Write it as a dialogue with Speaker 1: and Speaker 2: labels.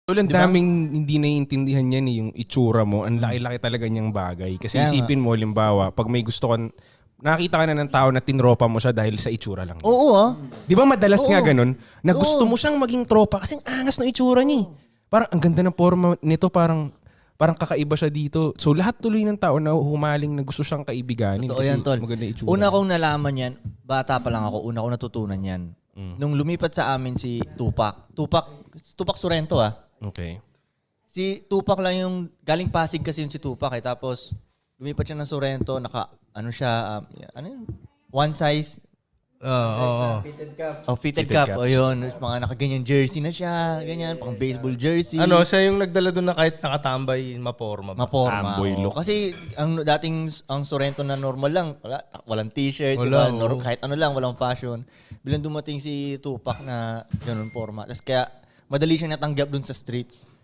Speaker 1: Ang daming hindi naiintindihan yan yung itsura mo. Ang laki-laki talaga niyang bagay. Kasi isipin mo, limbawa, pag may gusto ka, nakita ka na ng tao na tinropa mo siya dahil sa itsura lang.
Speaker 2: Oo
Speaker 1: Di ba madalas nga ganun? Na gusto mo siyang maging tropa kasi ang angas ng itsura niya. Parang ang ganda ng forma nito, parang kakaiba siya dito. So lahat tuloy ng tao na humaling na gusto siyang kaibiganin.
Speaker 2: Totoo
Speaker 1: kasi
Speaker 2: yan, tol.
Speaker 1: maganda yung itsura.
Speaker 2: Una kong nalaman yan, bata pa lang ako, una kong natutunan yan. Nung lumipat sa amin si Tupac Sorrento
Speaker 1: Okay.
Speaker 2: Si Tupac lang yung, galing Pasig kasi yun si Tupac tapos lumipat siya ng Sorrento, one size. Fitted cap. O yun, mga nakaganyan jersey na siya, ganyan, pang baseball jersey.
Speaker 3: Siya yung nagdala doon na kahit nakatambay, maporma.
Speaker 2: Maporma.
Speaker 1: Amboy look.
Speaker 2: Kasi ang Sorrento na normal lang, walang t-shirt, diba? Kahit ano lang, walang fashion. Bilang dumating si Tupac na ganun forma. Tapos kaya madali siyang natanggap doon sa streets.